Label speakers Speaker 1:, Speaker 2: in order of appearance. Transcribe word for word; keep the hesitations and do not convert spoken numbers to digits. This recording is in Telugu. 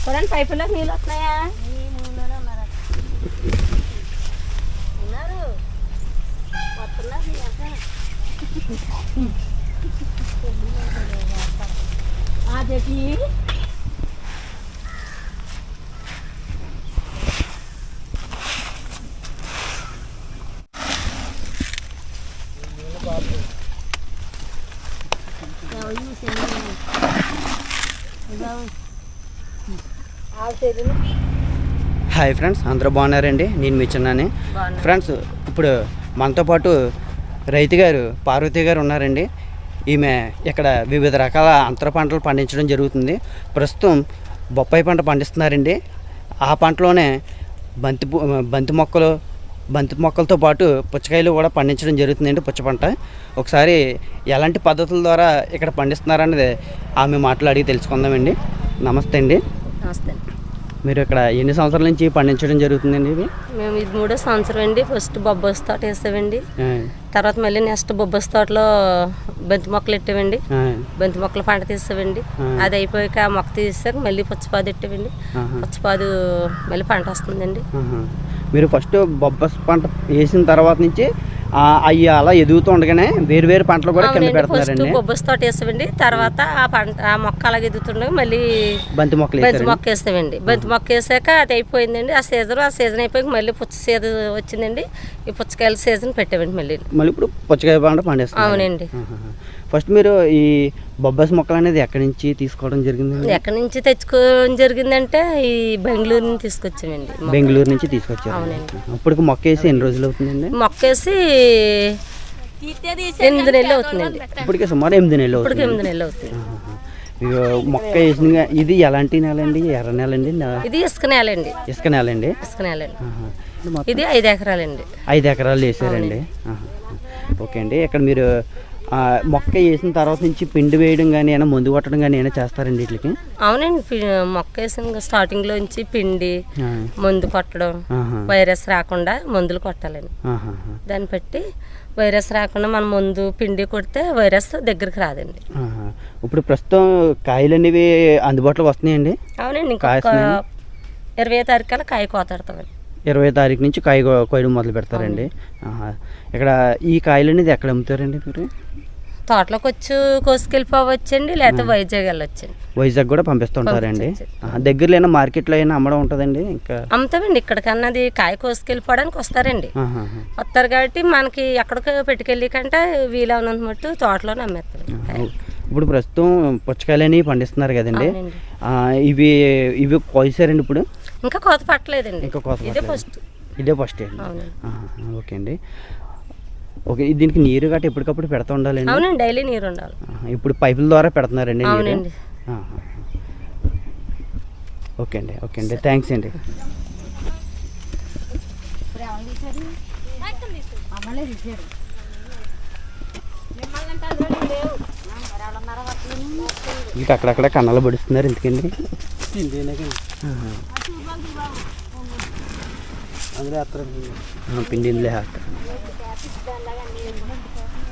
Speaker 1: చూడండి పైపులోకి నీళ్ళు వస్తున్నాయా? ఉన్నారు అదేటి
Speaker 2: హాయ్ ఫ్రెండ్స్, అందరూ బాగున్నారండి? నేను మీ చిన్నాని. ఫ్రెండ్స్, ఇప్పుడు మనతో పాటు రైతు గారు పార్వతి గారు ఉన్నారండి. ఈమె ఇక్కడ వివిధ రకాల అంతర పంటలు పండించడం జరుగుతుంది. ప్రస్తుతం బొప్పాయి పంట పండిస్తున్నారండి. ఆ పంటలోనే బంతి బంతి మొక్కలు బంతి మొక్కలతో పాటు పుచ్చకాయలు కూడా పండించడం జరుగుతుందండి. పుచ్చ పంట ఒకసారి ఎలాంటి పద్ధతుల ద్వారా ఇక్కడ పండిస్తున్నారనేది ఆమె మాట్లాడి తెలుసుకుందామండి. నమస్తే అండి.
Speaker 1: నమస్తే.
Speaker 2: మీరు ఇక్కడ ఎన్ని సంవత్సరాల నుంచి పండించడం జరుగుతుందండి? ఇది
Speaker 1: మేము ఇది మూడో సంవత్సరం అండి. ఫస్ట్ బొబ్బస్ తోట వేసామండి. తర్వాత మళ్ళీ నెక్స్ట్ బొబ్బస్ తోటలో బంతి మొక్కలు పెట్టామండి. బంతి మొక్కలు పంట తీసామండి. అది అయిపోయాక మొక్క తీసాక మళ్ళీ పుచ్చపాదు పెట్టామండి. పుచ్చపాదు మళ్ళీ పంట వస్తుందండి.
Speaker 2: మీరు ఫస్ట్ బొబ్బస్ పంట వేసిన తర్వాత నుంచి అవి అలా ఎదుగుతూ ఉండగానే వేరు వేరు పంటలు కూడా కింద పెడతారండి.
Speaker 1: బొబ్బస్ తోట వేసామండి. తర్వాత ఆ పంట ఆ మొక్క అలాగే ఎదుగుతుండగా మళ్ళీ
Speaker 2: బంతి మొక్కలు
Speaker 1: బంతి మొక్క వేస్తామండి. బంతి మొక్క వేసాక అది అయిపోయిందండి. ఆ సీజన్ ఆ సీజన్ అయిపోయాక మళ్ళీ పుచ్చ సీజన్ వచ్చిందండి. ఈ పుచ్చకాయల సీజన్ పెట్టామండి. మళ్ళీ మళ్ళీ
Speaker 2: ఇప్పుడు పుచ్చకాయ పంట పండిస్తాం.
Speaker 1: అవునండి.
Speaker 2: ఫస్ట్ మీరు ఈ బొబ్బస్ మొక్కలు అనేది ఎక్కడి నుంచి తీసుకోవడం జరిగింది?
Speaker 1: ఎక్కడి నుంచి తెచ్చుకోవడం జరిగిందంటే ఈ బెంగళూరు నుంచి తీసుకొచ్చామండి.
Speaker 2: బెంగళూరు నుంచి తీసుకొచ్చారు. అవునండి. ఇప్పటికి మొక్క వేసి ఎన్ని రోజులు అవుతుందండి?
Speaker 1: మొక్క వేసి ఎనిమిది నెలలు అవుతుందండి.
Speaker 2: ఇప్పటికే సుమారు ఎనిమిది నెలలు
Speaker 1: ఇప్పటికి ఎనిమిది నెలలు అవుతుంది.
Speaker 2: మొక్క వేసిన ఇది ఎలాంటి నేల అండి? ఎర్ర నేల అండి?
Speaker 1: ఇది ఇసుక నేల అండి.
Speaker 2: ఇసుక నేల అండి.
Speaker 1: ఇసుక నేల అండి. ఇది ఐదు ఎకరాలండి.
Speaker 2: ఐదు ఎకరాలు వేసారండి. ఓకే అండి. ఇక్కడ మీరు మొక్క వేసిన తర్వాత నుంచి పిండి వేయడం కానీ ఏమైనా మందు కొట్టడం కానీ ఏమైనా చేస్తారండి వీటికి?
Speaker 1: అవునండి. మొక్క వేసిన స్టార్టింగ్ లోంచి పిండి మందు కొట్టడం, వైరస్ రాకుండా మందులు కొట్టాలండి. దాన్ని బట్టి వైరస్ రాకుండా మనం మందు పిండి కొడితే వైరస్ దగ్గరికి రాదండి.
Speaker 2: ఇప్పుడు ప్రస్తుతం కాయలు అనేవి అందుబాటులో వస్తున్నాయండి?
Speaker 1: అవునండి. ఇంకా ఇరవై తారీఖు కల్లా కాయ కోతాడుతామండి.
Speaker 2: ఇరవై తారీఖు నుంచి కాయ కోయడం మొదలు పెడతారండి. ఇక్కడ ఈ కాయలు అనేది ఎక్కడ అమ్ముతారండి మీరు?
Speaker 1: తోటలోకి వచ్చి కోసుకెళ్ళిపోవచ్చండి, లేకపోతే వైజాగ్ వెళ్ళొచ్చండి.
Speaker 2: వైజాగ్ కూడా పంపిస్తుంటారండి. దగ్గరలో అయినా మార్కెట్లో అయినా అమ్మడం ఉంటుందండి? ఇంకా అమ్ముతామండి.
Speaker 1: ఇక్కడికన్నా అది కాయ కోసుకెళ్ళిపోవడానికి వస్తారండి. వస్తారు కాబట్టి మనకి ఎక్కడికి పెట్టుకెళ్ళి కంటే వీలవునంత మట్టు తోటలోనే అమ్మేస్తారు.
Speaker 2: ఇప్పుడు ప్రస్తుతం పుచ్చకాయలు అనేవి పండిస్తున్నారు కదండి. ఇవి ఇవి కోసారండి ఇప్పుడు?
Speaker 1: ఇంకా కోత పట్టలేదండి.
Speaker 2: ఇంకా కోత
Speaker 1: ఇదే ఫస్ట్
Speaker 2: ఇదే ఫస్ట్ ఓకే అండి. ఓకే. దీనికి నీరు గట్ట ఎప్పటికప్పుడు పెడతా ఉండాలండి?
Speaker 1: అవునండి. డైలీ నీరు ఉండాలి.
Speaker 2: ఇప్పుడు పైపుల ద్వారా పెడుతున్నారండి?
Speaker 1: అవునండి.
Speaker 2: ఓకే అండి. ఓకే అండి. థ్యాంక్స్ అండి. ఇంకా అక్కడక్కడ కన్నాలు పడుస్తున్నారు ఎందుకండి? పిండి ఇందులో వేస్తారు.